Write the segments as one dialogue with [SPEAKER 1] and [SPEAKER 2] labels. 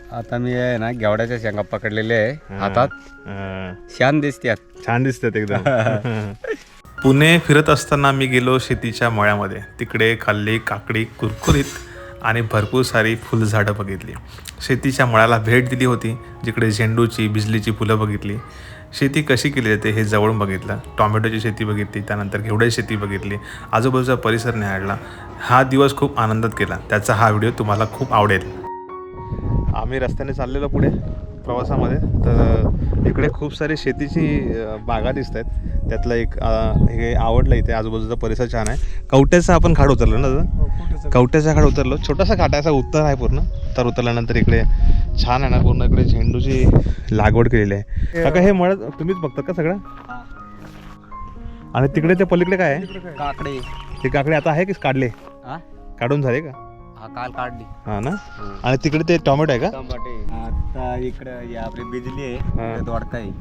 [SPEAKER 1] आता मी आहे ना घेवड्याच्या शेंगा पकडलेले आहे हातात. छान दिसतात,
[SPEAKER 2] छान दिसतात एकदम. पुणे फिरत असताना मी गेलो शेतीच्या मळ्यामध्ये. तिकडे खाल्ली काकडी कुरकुरीत आणि भरपूर सारी फुलझाडं बघितली. शेतीच्या मळ्याला भेट दिली होती, जिकडे झेंडूची बिजलीची फुलं बघितली. शेती कशी केली जाते हे जवळून बघितलं. टॉमॅटोची शेती बघितली, त्यानंतर घेवड्याची शेती बघितली, आजूबाजूचा परिसर निहाळला. हा दिवस खूप आनंदात गेला. त्याचा हा व्हिडिओ तुम्हाला खूप आवडेल. आम्ही रस्त्याने चाललेलो पुढे प्रवासामध्ये, तर इकडे खूप सारी शेतीची बागा दिसत आहेत. त्यातलं एक हे आवडलं. इथे आजूबाजूचा परिसर छान आहे. कवट्याचा आपण खाड उतरलो ना दादा? कवट्याचा खाड उतरलो. छोटासा खाट आहे, असा उत्तर आहे पूर्ण. तर उतरल्यानंतर इकडे छान आहे ना, पूर्ण इकडे झेंडूची लागवड केलेली आहे. काका हे मळत तुम्हीच बघतात का सगळं? आणि तिकडे ते पलीकडे काय आहे?
[SPEAKER 1] काकडे.
[SPEAKER 2] ते काकडे आता आहे की काढले? काढून झाले का?
[SPEAKER 1] हा, काल काढली.
[SPEAKER 2] हा ना. आणि तिकडे ते टोमॅटो आहे का?
[SPEAKER 1] टमाटे आता इकडे आपली बिजली आहे, दोडकाय.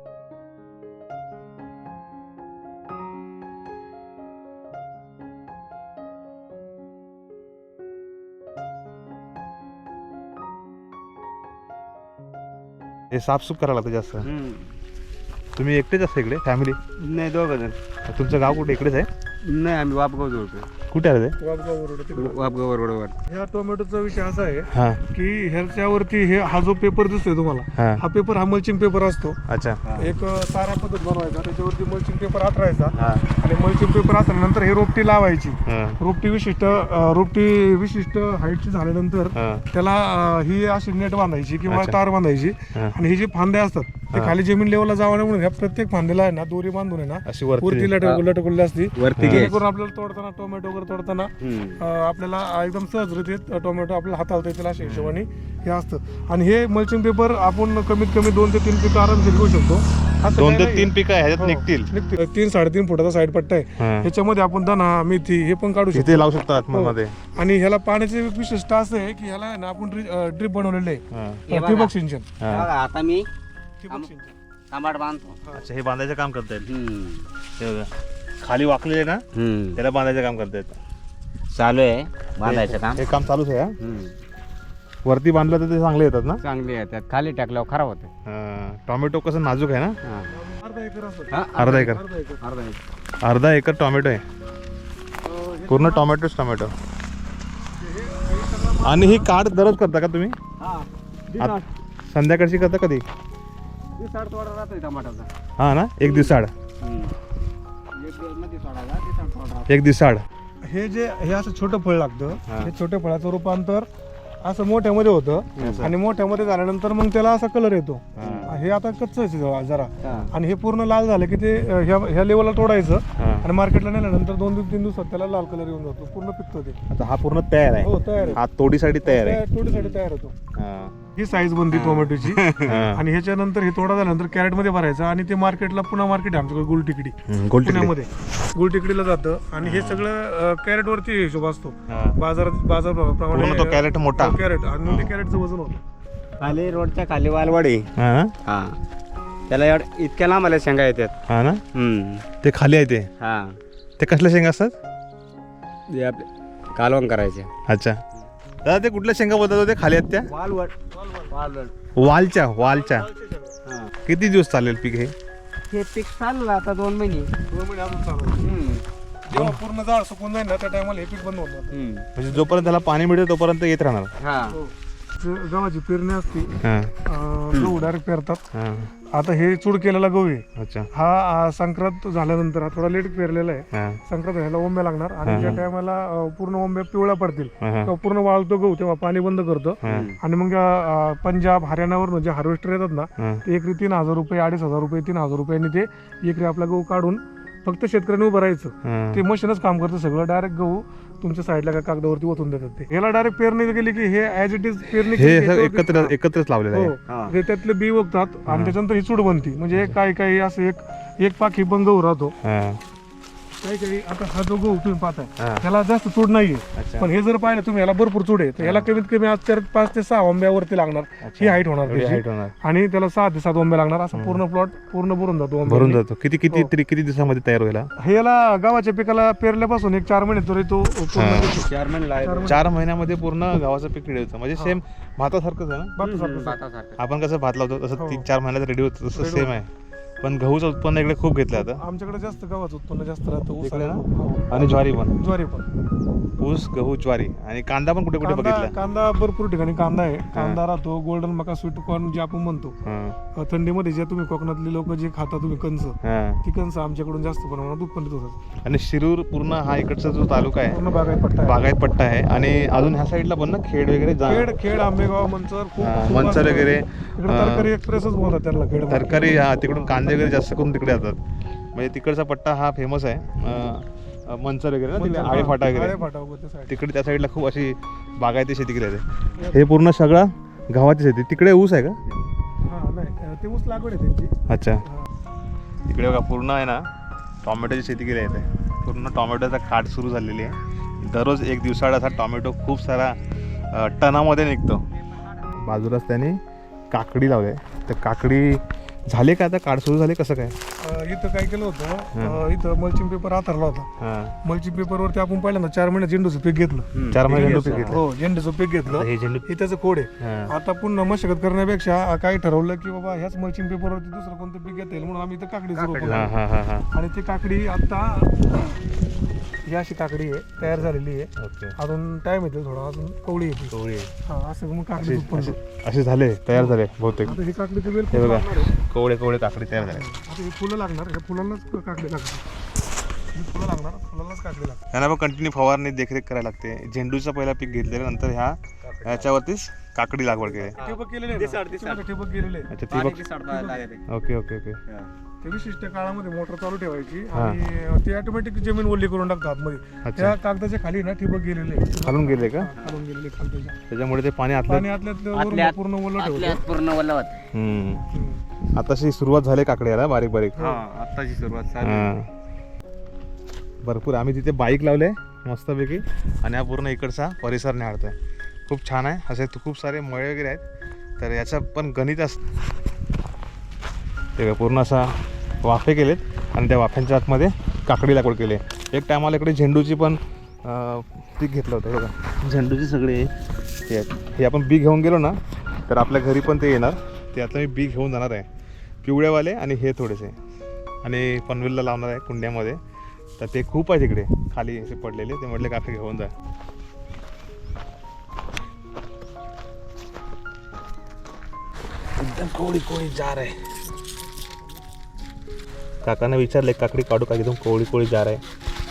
[SPEAKER 2] हे साफसूफ करायला लागतं जास्त. तुम्ही एकटेच असता इकडे फॅमिली?
[SPEAKER 1] नाही, दोघं जण.
[SPEAKER 2] तुमचं गाव कुठे? इकडेच आहे?
[SPEAKER 1] नाही, आम्ही वापगाव जोडतो.
[SPEAKER 2] कुठे आहे ते?
[SPEAKER 1] वापगाव बरोबर.
[SPEAKER 3] ह्या टोमॅटोचा विषय असा आहे
[SPEAKER 2] हा
[SPEAKER 3] की ह्याच्यावरती हा जो पेपर दिसतोय तुम्हाला, हा पेपर हा मल्चिंग पेपर असतो.
[SPEAKER 2] अच्छा.
[SPEAKER 3] एक सारा पद्धत बनवायचा, त्याच्यावरती मल्चिंग पेपर हातरायचा आणि मल्चिंग पेपर हातरल्यानंतर हे रोपटी लावायची. रोपटी विशिष्ट हाईटची झाल्यानंतर त्याला ही अशी नेट बांधायची किंवा तार बांधायची. आणि हे जे फांद्या असतात ते खाली जमीन लेवलला जावं म्हणून ह्या प्रत्येक फांद्याला आहे ना दोरी बांधून आहे ना
[SPEAKER 2] अशी वरती
[SPEAKER 3] वरती लटकवली असती.
[SPEAKER 1] वरती
[SPEAKER 3] जेणेकरून आपल्याला तोडताना टोमॅटो वगैरे तोडताना आपल्याला एकदम सहजरित्या टोमॅटो आपल्याला हाताळता येतील अशा हिशोबाने हे असतं. आणि हे मल्चिंग पेपर आपण कमीत कमी 2 ते 3 पिकं आरामशीर घेऊ शकतो.
[SPEAKER 2] 2 ते 3 पिकं ह्याच्यात निघतील.
[SPEAKER 3] 3-3.5 फुटाचा साईड पट्टा आहे. ह्याच्यामध्ये आपण धना मेथी हे पण काढू शकतो.
[SPEAKER 2] इथे लावू शकतो आतमध्ये.
[SPEAKER 3] आणि ह्याला पाण्याचे विशिष्ट असं आहे की ह्याला ना आपण ड्रिप बनवलेलं आहे, ठिबक सिंचन.
[SPEAKER 1] आता मी
[SPEAKER 3] ठिबक सिंचन
[SPEAKER 1] टमाट बांधतो.
[SPEAKER 2] अच्छा, हे बांधायचं काम करतायत. हे बघा खाली वाकलेले ना, त्याला बांधायचं काम करतायत.
[SPEAKER 1] चालू आहे बांधायचं काम.
[SPEAKER 2] हे काम चालूच आहे. वरती बांधलं तर ते चांगले येतात ना?
[SPEAKER 1] चांगली आहे. त्यात खाली टाकल्यावर खराब होते.
[SPEAKER 2] टोमॅटो कसं नाजूक आहे ना.
[SPEAKER 3] अर्धा एकर असतो.
[SPEAKER 2] अर्धा एकर. अर्धा एकर टोमॅटो आहे. पूर्ण टोमॅटोच टोमॅटो. आणि ही काढ दररोज करता का तुम्ही? संध्याकाळची करता कधी?
[SPEAKER 1] थोडा राहतोय टमाटाचा.
[SPEAKER 2] हा ना, एक दिवसाड. एक दिवसाड.
[SPEAKER 3] हे असं छोटं फळ लागतं. हे छोट्या फळाचं रूपांतर असं मोठ्यामध्ये होतं आणि मोठ्यामध्ये झाल्यानंतर मग त्याला असा कलर येतो. हे आता कच्च आहे जरा. आणि हे पूर्ण लाल झालं की ते ह्या लेवलला तोडायचं आणि मार्केटला नेल्यानंतर 2-3 दिवसात त्याला लाल कलर येऊन जातो. पूर्ण पिकतो ते.
[SPEAKER 2] आता हा पूर्ण तयार आहे.
[SPEAKER 3] हो, तयार आहे.
[SPEAKER 2] हा तोडीसाठी तयार आहे.
[SPEAKER 3] तोडीसाठी तयार होतो. ही साईज बनती टोमॅटोची. आणि ह्याच्यानंतर हे तोडा झाल्यानंतर कॅरेट मध्ये भरायचं आणि ते मार्केटला पुन्हा मार्केट आहे आमच्याकडे गुलटिकडी पुण्यामध्ये. गुलटिकडीला जातं आणि हे सगळं कॅरेट वरती हिशोब असतो. बाजारप्रमाणे
[SPEAKER 2] तो कॅरेट मोठा
[SPEAKER 3] कॅरेट आणि ते कॅरेटचं वजन होतं.
[SPEAKER 1] खाली रोडच्या खाली वालवाडी. हा, त्याला इतक्या लांब आल्या शेंगा येतात.
[SPEAKER 2] हा ना. ते खाली आहे ते.
[SPEAKER 1] हा,
[SPEAKER 2] ते कसल्या शेंगा असतात?
[SPEAKER 1] ते आपले कालवण करायचे.
[SPEAKER 2] अच्छा दादा, ते कुठल्या शेंगा बोलतात होते खाली आहेत त्या? वालच्या. किती दिवस चालेल पीक हे?
[SPEAKER 1] हे पीक चाललं आता 2 महिने.
[SPEAKER 3] 2 महिने अजून चालू. जेव्हा पूर्ण झाड सुकून जाईल ना त्या टायमाला हे पीक बंद होणार.
[SPEAKER 2] म्हणजे जोपर्यंत त्याला पाणी मिळेल तोपर्यंत येत राहणार.
[SPEAKER 1] हा,
[SPEAKER 3] गव्हाची पेरणी असते. गहू डायरेक्ट पेरतात. आता हे चूड केलेला गहू आहे.
[SPEAKER 2] अच्छा.
[SPEAKER 3] हा संक्रांत झाल्यानंतर हा थोडा लेट पेरलेला आहे. संक्रांत व्हायला ओंब्या लागणार आणि ज्या टायमाला पूर्ण ओंब्या पिवळ्या पडतील तेव्हा पूर्ण वाळतो गहू, तेव्हा पाणी बंद करतो. आणि मग पंजाब हरियाणावरून जे हार्वेस्टर येतात ना, ते एकरी 3,000 रुपये 2,500 रुपये 3,000 रुपयांनी ते एकरी आपला गहू काढून फक्त शेतकऱ्यांनी उभं राहायचं. ते मशीनच काम करतं सगळं. डायरेक्ट गहू तुमच्या साईडला का कागदावरती ओतून देतात. ते याला डायरेक्ट पेरणी केली की हे ऍज इट इज पेरणी
[SPEAKER 2] एकत्रच लावलेलं आहे.
[SPEAKER 3] ते त्यातले बी उगतात आणि त्याच्यानंतर ही चूड बनती. म्हणजे काही असं एक पाखी पण गहू राहतो. काही आता हा जो गहू तुम्ही पाहताय
[SPEAKER 2] हा.
[SPEAKER 3] ह्याला जास्त चूड नाहीये,
[SPEAKER 2] अच्छा.
[SPEAKER 3] पण हे जर पाहिलं तुम्ही याला भरपूर चूड आहे, तर याला कमीत कमी आज 5 ते 6 ओंब्यावरती लागणार. ही हाईट होणार
[SPEAKER 2] एवढी
[SPEAKER 3] त्याची.
[SPEAKER 2] height होणार.
[SPEAKER 3] आणि त्याला 6 ते 7 ओंब्या लागणार. असं पूर्ण प्लॉट पूर्ण भरून जातो ओंब्याने.
[SPEAKER 2] भरून जातो. किती किती तरी किती दिवसामध्ये तयार होईल हा?
[SPEAKER 3] हे याला गव्हाच्या पिकाला पेरल्यापासून एक 4 महिने तरी तो पूर्ण
[SPEAKER 2] हा.
[SPEAKER 3] येतो.
[SPEAKER 1] 4 महिने लागले.
[SPEAKER 2] 4 महिन्यामध्ये पूर्ण गावाचं पीक रेडी होतं. म्हणजे सेम भातासारखंच आहे ना.
[SPEAKER 3] भातासारखं.
[SPEAKER 1] भातासारखं.
[SPEAKER 2] आपण कसं भात लावतो तसं
[SPEAKER 3] हो.
[SPEAKER 2] 3-4 महिन्यात रेडी होतं तसं
[SPEAKER 3] Ready
[SPEAKER 2] सेम आहे. पण गहूचं उत्पन्न इकडे खूप घेतलं आता.
[SPEAKER 3] आमच्याकडे जास्त गव्हाचं उत्पन्न जास्त राहतं. ऊस
[SPEAKER 2] इकडे ना?
[SPEAKER 3] आणि
[SPEAKER 2] आणि ज्वारी पण.
[SPEAKER 3] ज्वारी पण.
[SPEAKER 2] ऊस गहू ज्वारी आणि कांदा पण कुठे कुठे बघितला.
[SPEAKER 3] कांदा भरपूर ठिकाणी कांदा आहे. कांदा राहतो. गोल्डन मका स्वीट कॉर्न जे आपण म्हणतो.
[SPEAKER 2] हा.
[SPEAKER 3] थंडीमध्ये जे तुम्ही कोकणातले लोक जे खाता तुम्ही कंस,
[SPEAKER 2] हा.
[SPEAKER 3] ती कंस आमच्याकडून जास्त प्रमाणात उत्पन्न होतात.
[SPEAKER 2] आणि शिरूर पूर्ण हा इकडचा जो तालुका आहे
[SPEAKER 3] पूर्ण बागायत पट्टा आहे.
[SPEAKER 2] बागायत पट्टा आहे. आणि अजून ह्या साईडला पण ना खेड वगैरे
[SPEAKER 3] खेड आंबेगाव मंचर खूप
[SPEAKER 2] मंचर
[SPEAKER 3] असतं.
[SPEAKER 2] वगैरे
[SPEAKER 3] इकडे तरकारी एक्सप्रेसच बोलतात त्याला खेड.
[SPEAKER 2] तरकारी हा तिकडून कांदे वगैरे जास्त करून तिकडे येतात. म्हणजे तिकडचा पट्टा हा फेमस आहे. मंचर वगैरे ना तिकडे आळेफाटा वगैरे
[SPEAKER 3] आळेफाटा वगैरे त्या side.
[SPEAKER 2] तिकडे त्या साईडला खूप अशी बागायती शेती केली जाते. हे पूर्ण सगळं गव्हाची शेती. तिकडे ऊस आहे का?
[SPEAKER 3] हा नाही ते ऊस लागवड आहे त्यांची.
[SPEAKER 2] अच्छा.
[SPEAKER 3] हा.
[SPEAKER 2] इकडे बघा पूर्ण आहे ना टॉमॅटोची शेती केली आहे. पूर्ण टॉमॅटोचा काट सुरू झालेली आहे. दररोज एक दिवसाआड असा टॉमॅटो खूप सारा टनामध्ये निघतो. बाजूलाच त्याने काकडी लावली आहे. तर काकडी झाले का आता काढ सुरू झाले कसं काय?
[SPEAKER 3] इथं काय केलं होतं, इथं मल्चिंग पेपर आथरला होता. मल्चिंग पेपरवरती आपण पहिल्यांदा 4 महिने झेंडूचं पीक घेतलं.
[SPEAKER 2] 4 महिने झेंडू पीक घेतलं.
[SPEAKER 3] हो झेंडूचं पीक घेतलं.
[SPEAKER 2] हे झेंडू
[SPEAKER 3] हे त्याचं कोड आहे.
[SPEAKER 2] हा.
[SPEAKER 3] आता पुन्हा मशागत करण्यापेक्षा काय ठरवलं की बाबा ह्याच मल्चिंग पेपरवरती दुसरं कोणतं पीक घेता येईल म्हणून आम्ही इथं काकडी सुरू केली.
[SPEAKER 2] हा हा हा हा.
[SPEAKER 3] आणि ती काकडी आता ही अशी काकडी आहे तयार झालेली आहे.
[SPEAKER 2] ओके.
[SPEAKER 3] अजून टाइम येतो थोडा, अजून कवळी येते.
[SPEAKER 2] कवळी
[SPEAKER 3] हा असं मग काकडी उत्पन्न.
[SPEAKER 2] असे झाले तयार झाले बहुतेक.
[SPEAKER 3] आता ही काकडीचं वेल
[SPEAKER 2] हे बघा
[SPEAKER 3] लागणार आहे.
[SPEAKER 2] कवळे कवळे काकडी तयार झाले.
[SPEAKER 3] आता ही फुलं लागणार, ह्या फुलांनाच काकडी लागणार. ही फुलं लागणार, फुलांनाच काकडी लागणार.
[SPEAKER 2] यांना पण कंटिन्यू फवारणी देखरेख करायला लागते. झेंडूचं पहिला पीक घेतल्यानंतर ह्याच्यावरतीच काकडी लागवड केली.
[SPEAKER 3] ठिबक केलेले आहे ना? त्याच्यामध्ये ठिबक केलेले आहे.
[SPEAKER 2] अच्छा ती
[SPEAKER 1] पाणी
[SPEAKER 2] बघ.
[SPEAKER 1] की साडता लागते.
[SPEAKER 2] Okay okay okay.
[SPEAKER 3] ते विशिष्ट काळामध्ये मोटर चालू ठेवायची आणि ते ऑटोमॅटिक जमीन ओली करून टाकतात आतमध्ये.
[SPEAKER 2] अच्छा.
[SPEAKER 3] त्या कागदाच्या खाली ना ठिबक गेलेले आहे.
[SPEAKER 2] खालून गेले का?
[SPEAKER 3] खालून गेलेले खालच्या.
[SPEAKER 2] त्याच्यामुळे ते पाणी आतलं.
[SPEAKER 3] पाणी आतल्यात पूर्ण ओलं ठेवलं.
[SPEAKER 1] पूर्ण ओलं होत.
[SPEAKER 2] आताशी सुरुवात झाली काकडी याला बारीक बारीक.
[SPEAKER 1] हा आत्ताची सुरुवात झाली.
[SPEAKER 2] हा. भरपूर आम्ही तिथे बाईक लावले मस्तपैकी आणि हा पूर्ण इकडचा परिसर निहाळतोय. खूप छान आहे. असे खूप सारे मळे वगैरे आहेत. तर याचं पण गणित ते पूर्ण असा वाफे केलेत आणि त्या वाफ्यांच्या आतमध्ये काकडी लागवड केली आहे. एक टायमाला इकडे झेंडूची पण पीक घेतलं होतं. बघा झेंडूचे सगळे हे आहेत. हे आपण बी घेऊन गेलो ना तर आपल्या घरी पण ते येणार. ते आता मी बी घेऊन जाणार आहे. पिवळेवाले आणि हे थोडेसे आणि पनवेलला लावणार आहे कुंड्यामध्ये. तर ते खूप आहे तिकडे खाली असे पडलेले. ते म्हटले काका घेऊन जा. एकदम कोवळी कोवळी जार आहे. काकांना विचारले काकडी काढू का? एकदम कोवळी कोवळी जार आहे.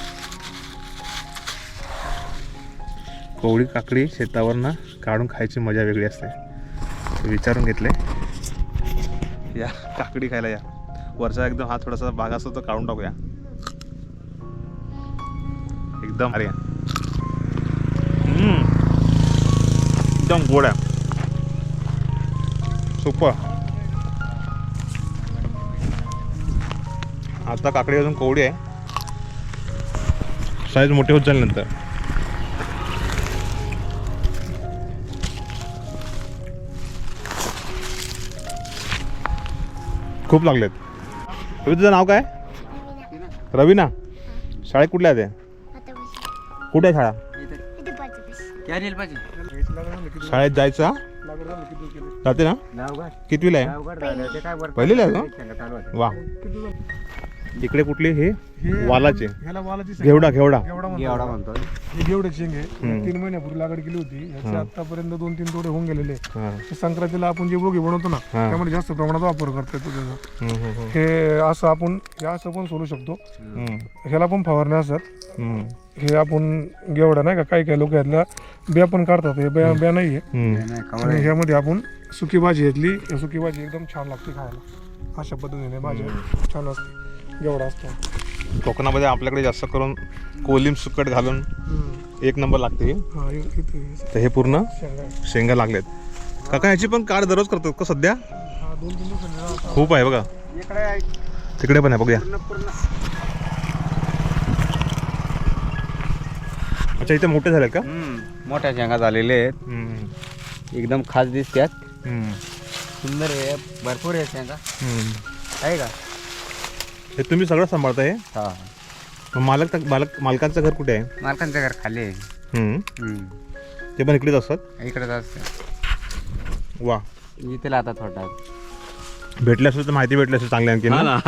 [SPEAKER 2] कोवळी काकडी शेतावर ना काढून खायची मजा वेगळी असते. विचारून घेतले या काकडी खायला या. वरचा एकदम हा थोडासा भाग असतो तो काढून टाकूया. एकदम अरे एकदम गोड आहे. सुपर. आता काकडी अजून कोवडी आहे. साईज मोठी होत जाईल नंतर. खूप लागलेत. तुझं नाव काय? रवीना. शाळेत कुठल्या आहे ते? कुठे आहे शाळा? शाळेत जायचं हा? जाते ना? कितवीला आहे? पहिलीला आहे का? वा. इकडे कुठली हे वालाचे?
[SPEAKER 3] ह्याला वालाची
[SPEAKER 2] घेवडा घेवडा
[SPEAKER 1] एवढा म्हणतो.
[SPEAKER 3] ही घेवड्याची शेंग आहे. 3 महिन्यापूर्वी लागवड केली होती. ह्याचे आतापर्यंत 2-3 तोडे होऊन गेलेले. संक्रांतीला आपण जे बोगी बनवतो ना त्यामध्ये जास्त प्रमाणात वापर करतो त्याचा. हे असं आपण हे असं पण सोडू शकतो. ह्याला पण फवारण्या असतात. हे आपण घेवडा नाही का काही काही लोक ह्यातल्या बिया पण काढतात. हे बिया नाही आहे. आणि ह्यामध्ये आपण सुकी भाजी घेतली. सुकी भाजी एकदम छान लागते खायला. अशा पद्धतीने भाजी छान असते. घेवडा असतो.
[SPEAKER 2] कोकणामध्ये आपल्याकडे जास्त करून कोलिम सुकट घालून एक नंबर लागते. तर हे पूर्ण शेंगा लागलेत. काका ह्याची पण काढ दररोज करतो का सध्या? खूप आहे बघा. तिकडे पण आहे बघूया. अच्छा, इथे मोठे झाले का?
[SPEAKER 1] मोठ्या शेंगा झालेले आहेत, एकदम खास दिसतात, सुंदर आहे, भरपूर आहे शेंगा आहे का.
[SPEAKER 2] हे तुम्ही सगळं सांभाळता हे?
[SPEAKER 1] हा,
[SPEAKER 2] मालकांचं घर कुठे आहे?
[SPEAKER 1] मालकांचं घर खाली आहे.
[SPEAKER 2] ते पण इकडेच असतात?
[SPEAKER 1] इकडेच असतं.
[SPEAKER 2] वा,
[SPEAKER 1] इथे आता थोडा
[SPEAKER 2] भेटले असेल तर माहिती भेटली असेल चांगली आणखी ना.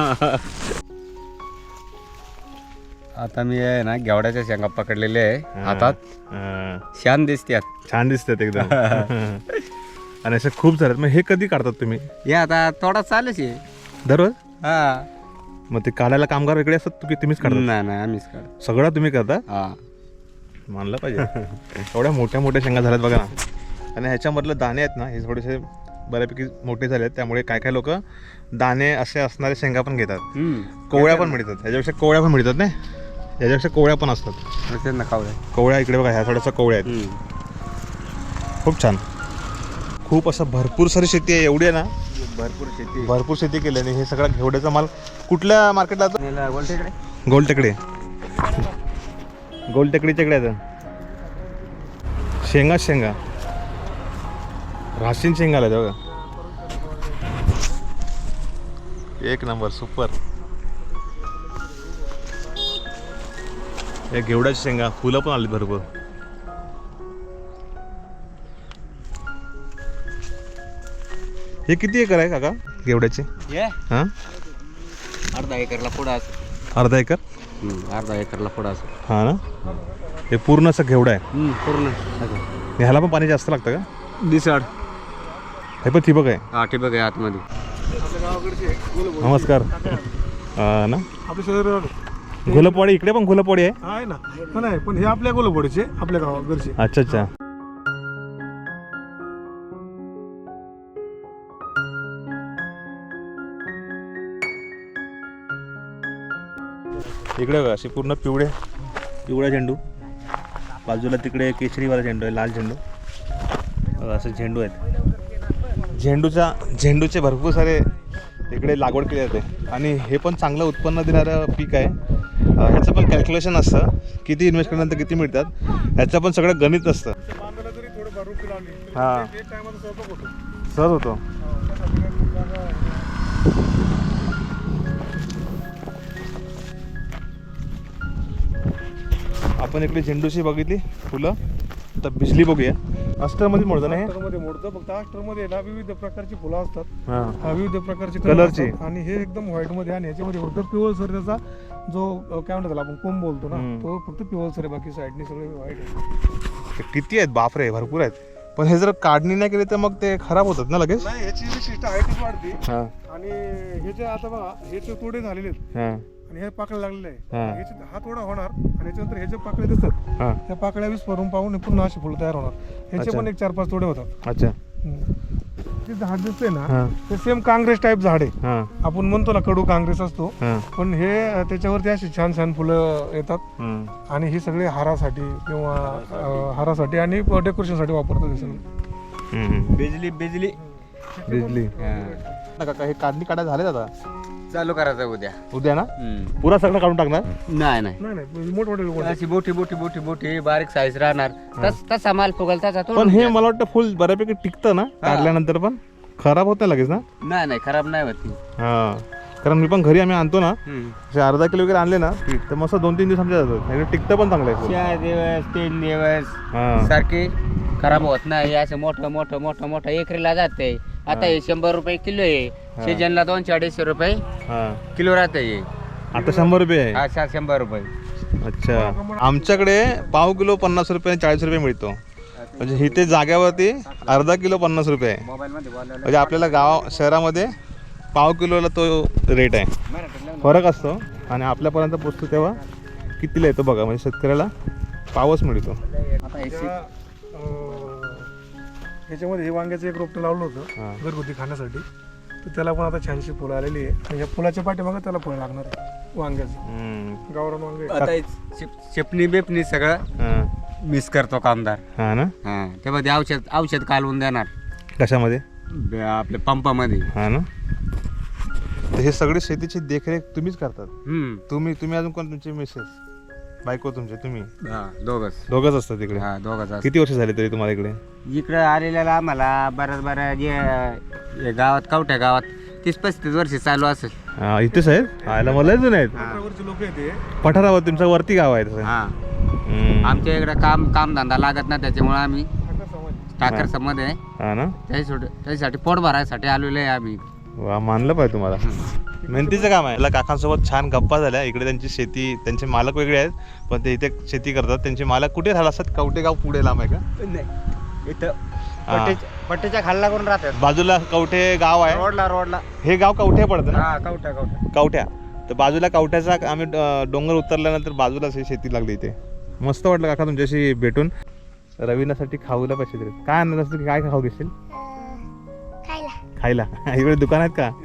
[SPEAKER 1] आता मी आहे ना घेवड्याच्या शेंगा पकडलेले आहे हातात, छान दिसतात.
[SPEAKER 2] छान दिसतात एकदम. आणि असे खूप झालेत. मग हे कधी काढतात तुम्ही?
[SPEAKER 1] हे आता थोडा चालूच आहे
[SPEAKER 2] दररोज?
[SPEAKER 1] हा.
[SPEAKER 2] मग ते काढायला कामगार वेगळे असतात, तुम्हीच काढता?
[SPEAKER 1] नाही आम्हीच काढ.
[SPEAKER 2] सगळं तुम्ही करता?
[SPEAKER 1] हा,
[SPEAKER 2] मानलं पाहिजे. एवढ्या मोठ्या मोठ्या शेंगा झाल्यात बघा ना. आणि ह्याच्यामधलं दाणे आहेत ना, हे थोडेसे बऱ्यापैकी मोठे झाले आहेत, त्यामुळे काय काय लोक दाणे असे असणारे शेंगा पण घेतात. कोवळ्या पण मिळतात, ह्याच्यापेक्षा कोवळ्या पण मिळतात नाही, ह्याच्यापेक्षा कोवळ्या पण असतात. कोवळ्या इकडे बघा, ह्या थोड्याशा कोवळ्या आहेत. खूप छान. खूप असं भरपूर सारी शेती आहे, एवढी आहे ना, भरपूर शेती केल्याने हे सगळा घेवड्याचा माल कुठल्या मार्केटला जातो? गोलटेकडे. गोलटेकडीच्या इकडे आहे शेंगा राशीन शेंगा आल्या बघा. एक नंबर, सुपर. या घेवड्याच्या शेंगा, फुलं पण आली भरपूर. हे किती एकर आहे काका घेवड्याचे? हां,
[SPEAKER 1] अर्धा एकरला पुढं असं.
[SPEAKER 2] अर्धा एकर?
[SPEAKER 1] अर्धा एकरला पुढं असं.
[SPEAKER 2] हां ना. हे पूर्ण असं घेवडं आहे?
[SPEAKER 1] पूर्ण.
[SPEAKER 2] ह्याला पण पाणी जास्त लागतं का?
[SPEAKER 1] दिसाड.
[SPEAKER 2] हे पण ठिबक आहे?
[SPEAKER 1] हा, ठिबक आहे आतमध्ये.
[SPEAKER 2] नमस्कार. हां ना.
[SPEAKER 3] आपल्या शहर
[SPEAKER 2] घोलपवाडी, इकडे पण घोलपवाडी
[SPEAKER 3] आहे ना. नाही, पण हे आपल्या गोलपवाडीचे, आपल्या गावाकडचे.
[SPEAKER 2] अच्छा अच्छा. इकडे बघा, असे पूर्ण पिवळा झेंडू, बाजूला तिकडे केशरीवाला झेंडू आहे, लाल झेंडू. असे झेंडू आहेत. झेंडूचे भरपूर सारे इकडे लागवड केली जाते. आणि हे पण चांगलं उत्पन्न देणारं पीक आहे. ह्याचं पण कॅल्क्युलेशन असतं, किती इन्व्हेस्ट केल्यानंतर किती मिळतात, ह्याचं पण सगळं गणित असतं. हां, सहज होतो. आपण इकडे झेंडूची बघितली फुलं, आता बिजली बघूया. अस्टरमध्ये मोडतं ना हे?
[SPEAKER 3] अस्टरमध्ये मोडतं. फक्त अस्टरमध्ये ना विविध प्रकारची फुलं असतात,
[SPEAKER 2] हां,
[SPEAKER 3] विविध प्रकारचे
[SPEAKER 2] कलरची.
[SPEAKER 3] आणि हे एकदम व्हाईटमध्ये, आणि ह्याच्यामध्ये फक्त पिवळसर त्याचा जो काय म्हणतात त्याला आपण कोंब बोलतो ना, तो फक्त पिवळसर आहे, बाकी साईडने सगळे व्हाईट आहे.
[SPEAKER 2] किती आहेत? बापरे, भरपूर आहेत. पण हे जर काढणी नाही केली तर मग ते खराब होतात ना लगेच?
[SPEAKER 3] नाही, ह्याची विशिष्ट हाईटच वाढते.
[SPEAKER 2] हां,
[SPEAKER 3] आणि हे जे आता बघा, हे जे तोडे झालेले आहेत
[SPEAKER 2] हां,
[SPEAKER 3] आणि हे पाकळ्या लागलेले
[SPEAKER 2] हां.
[SPEAKER 3] आहे, ह्याचे हा तोडा होणार आणि याच्यानंतर हे जे पाकळे दिसतात,
[SPEAKER 2] हां.
[SPEAKER 3] त्या पाकळ्या विस्फोरून पाहून पुन्हा अशी फुलं तयार होणार. ह्याचे
[SPEAKER 2] अच्छा.
[SPEAKER 3] पण एक 4-5 तोडे होतात.
[SPEAKER 2] अच्छा.
[SPEAKER 3] ते झाड दिसतंय ना,
[SPEAKER 2] हां,
[SPEAKER 3] ते सेम काँग्रेस टाईप झाड आहे.
[SPEAKER 2] हां,
[SPEAKER 3] आपण म्हणतो ना कडू काँग्रेस असतो,
[SPEAKER 2] हां,
[SPEAKER 3] पण हे त्याच्यावरती अशी छान छान फुलं येतात.
[SPEAKER 2] हं.
[SPEAKER 3] आणि हे सगळे हारासाठी किंवा हारासाठी आणि डेकोरेशनसाठी वापरतात हे सगळं.
[SPEAKER 2] हं.
[SPEAKER 1] बिजली
[SPEAKER 2] काका, हे काढणी काढायला झाले आता?
[SPEAKER 1] चालू करायचं
[SPEAKER 2] उद्या ना? पुरा सगळं काढून टाकणार?
[SPEAKER 1] नाही
[SPEAKER 3] नाही, मोठमोठे
[SPEAKER 1] अशी बोटी बारीक साईज राहणार. तसा माल फुगल तसा
[SPEAKER 2] पण हे मला वाटतं फुल बऱ्यापैकी टिकतं ना काढल्यानंतर, पण खराब होत नाही लगेच ना?
[SPEAKER 1] नाही खराब नाही होत ती.
[SPEAKER 2] हा, कारण मी पण घरी आम्ही आणतो ना, असे अर्धा किलो वगैरे आणले ना, तर मस्त 2-3 दिवस आमच्या जातात. टिकतं पण चांगलं आहे.
[SPEAKER 1] 4 दिवस 3 दिवस
[SPEAKER 2] हा,
[SPEAKER 1] सारखे खराब होत नाही. असं मोठं एकरीला जाते. आता हे 100 रुपये किलो आहे, सीजनला 200-250 रुपये
[SPEAKER 2] हा.
[SPEAKER 1] किलो राहते.
[SPEAKER 2] आता 100 रुपये आहे?
[SPEAKER 1] हा, 100 रुपये.
[SPEAKER 2] अच्छा. आमच्याकडे पाव किलो 50 रुपये 40 रुपये मिळतो. म्हणजे इथे जाग्यावरती अर्धा किलो 50 रुपये आहे. म्हणजे आपल्याला शहरामध्ये पाव किलोला तो रेट आहे, फरक असतो. आणि आपल्यापर्यंत पोचतो तेव्हा कितीला येतो बघा. म्हणजे शेतकऱ्याला पावच मिळतो.
[SPEAKER 3] ह्याच्यामध्ये हे वांग्याचं एक रोपटं लावलं होतं घरगुती खाण्यासाठी, तर त्याला पण आता छानशी फुलं आलेली आहे. आणि ह्या फुलाच्या पाठीमागं त्याला फळ लागणार आहे वांग्याचं. गावरान वांगे
[SPEAKER 1] आता चपणी बेपणी सगळं मिस करतो कामदार.
[SPEAKER 2] हा ना.
[SPEAKER 1] त्यामध्ये औषध कालवून देणार.
[SPEAKER 2] कशामध्ये?
[SPEAKER 1] आपल्या पंपामध्ये.
[SPEAKER 2] हा ना. तर हे सगळे शेतीची देखरेख तुम्हीच करतात? तुम्ही अजून कोण? तुमची मिसेस? बायको तुमचे तुम्ही
[SPEAKER 1] हा दोघंच.
[SPEAKER 2] दोघंच असतात तिकडे?
[SPEAKER 1] हा दोघंच असतात.
[SPEAKER 2] किती वर्ष झाले तरी तुम्हाला इकडे?
[SPEAKER 1] इकडं आलेल्याला आम्हाला बऱ्याच जे गावात कवठ्या गावात 30-35 वर्ष चालू असेल.
[SPEAKER 2] इथेच आहेत? आयला मला जुने आहेत.
[SPEAKER 3] लोक येते
[SPEAKER 2] पठारावर तुमचं वरती गाव आहे तसं?
[SPEAKER 1] हा आमच्या इकडं कामधंदा लागत ना, त्याच्यामुळे आम्ही ठाकर समाज आहे
[SPEAKER 2] हा ना,
[SPEAKER 1] त्याच्यासाठी पोट भरायसाठी आलेलो आहे आम्ही.
[SPEAKER 2] वा, मानलं पाहिजे तुम्हाला. मेहनतीचं काम आहे. याला काकांसोबत छान गप्पा झाल्या. इकडे त्यांची शेती, त्यांचे मालक वेगळे आहेत पण ते इथे शेती करतात. त्यांचे मालक कुठे राहिला असतात? कवठे गाव पुढे लांब आहे का?
[SPEAKER 1] नाही, इथं पट्टीच्या खाल्ला करून राहतात.
[SPEAKER 2] बाजूला कवठे गाव आहे.
[SPEAKER 1] रोडला
[SPEAKER 2] हे गाव कवठे पडतं ना?
[SPEAKER 1] हा कवठ्या.
[SPEAKER 2] कवठ्या. तर बाजूला कवठ्याचा आम्ही डोंगर उतरल्यानंतर बाजूलाच ही शेती लागली इथे. मस्त वाटलं काका तुमच्याशी भेटून. रवीनासाठी खाऊला पैसे दिले. काय आणलं असतं? काय खाऊ घेशील? खायला इकडे दुकान आहेत का?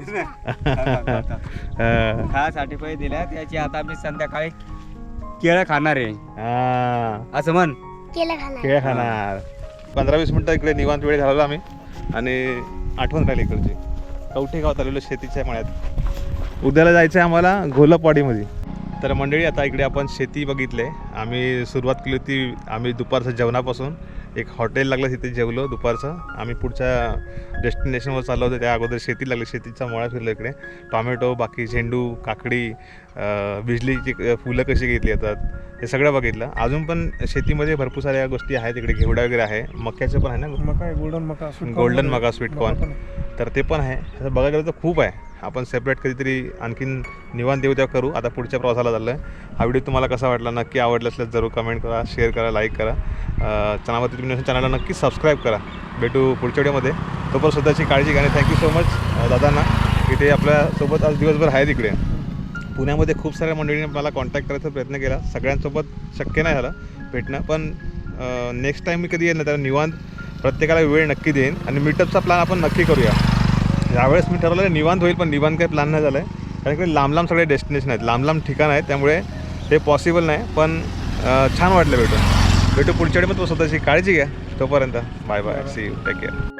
[SPEAKER 1] खायसाठी पैसे दिले, त्याची आता आम्ही संध्याकाळी केळं खाणार आहे. असं म्हण,
[SPEAKER 2] केळं खाणार. 15-20 मिनटं इकडे निवांत वेळ घालवला आम्ही आणि आठवण राहिली इकडची. कवठे गावात आलेलो शेतीच्या मळ्यात. उद्याला जायचं आहे आम्हाला घोलपवाडीमध्ये. तर मंडळी, आता इकडे आपण शेती बघितले. आम्ही सुरुवात केली होती आम्ही दुपारचं जेवणापासून. एक हॉटेल लागलं, तिथे जेवलो दुपारचं. आम्ही पुढच्या डेस्टिनेशनवर चाललो होतो, त्या अगोदर शेती लागली. शेतीचा मळा फिरलो इकडे. टॉमॅटो, बाकी झेंडू, काकडी, बिजलीची फुलं कशी घेतली जातात हे सगळं बघितलं. अजून पण शेतीमध्ये भरपूर साऱ्या गोष्टी आहेत. इकडे घेवडा वगैरे आहे, मक्याचं पण आहे ना,
[SPEAKER 3] मका,
[SPEAKER 2] गोल्डन मका, स्वीटकॉर्न, तर ते पण आहे. असं बघायला गेलं तर खूप आहे. आपण सेपरेट कधीतरी आणखीन निवांत देऊ तेव्हा करू. आता पुढच्या प्रवासाला चाललो आहे. हा व्हिडिओ तुम्हाला कसा वाटला? नक्की आवडला असल्यास जरूर कमेंट करा, शेअर करा, लाईक करा. चॅनलवरती तुम्ही चॅनलला नक्की सबस्क्राईब करा. भेटू पुढच्या व्हिडिओमध्ये. तोपर्यंत स्वतःची काळजी घ्या. थँक्यू सो मच दादांना, की ते आपल्यासोबत आज दिवसभर आहेत इकडे. पुण्यामध्ये खूप साऱ्या मंडळींनी मला कॉन्टॅक्ट करायचा प्रयत्न केला. सगळ्यांसोबत शक्य नाही झालं भेटणं, पण नेक्स्ट टाईम मी कधी येईल ना त्याला निवांत प्रत्येकाला वेळ नक्की देईन आणि मीटअपचा प्लॅन आपण नक्की करूया. यावेळेस मी ठरवलं निवांत होईल, पण निवांत काही प्लॅन नाही झालं आहे. कारण की लांब सगळे डेस्टिनेशन आहेत, लांब ठिकाण आहेत, त्यामुळे ते पॉसिबल नाही. पण छान वाटलं भेटू पुढच्या वेळी. मग तो स्वतःची काळजी घ्या. तोपर्यंत bye bye, see you, take care.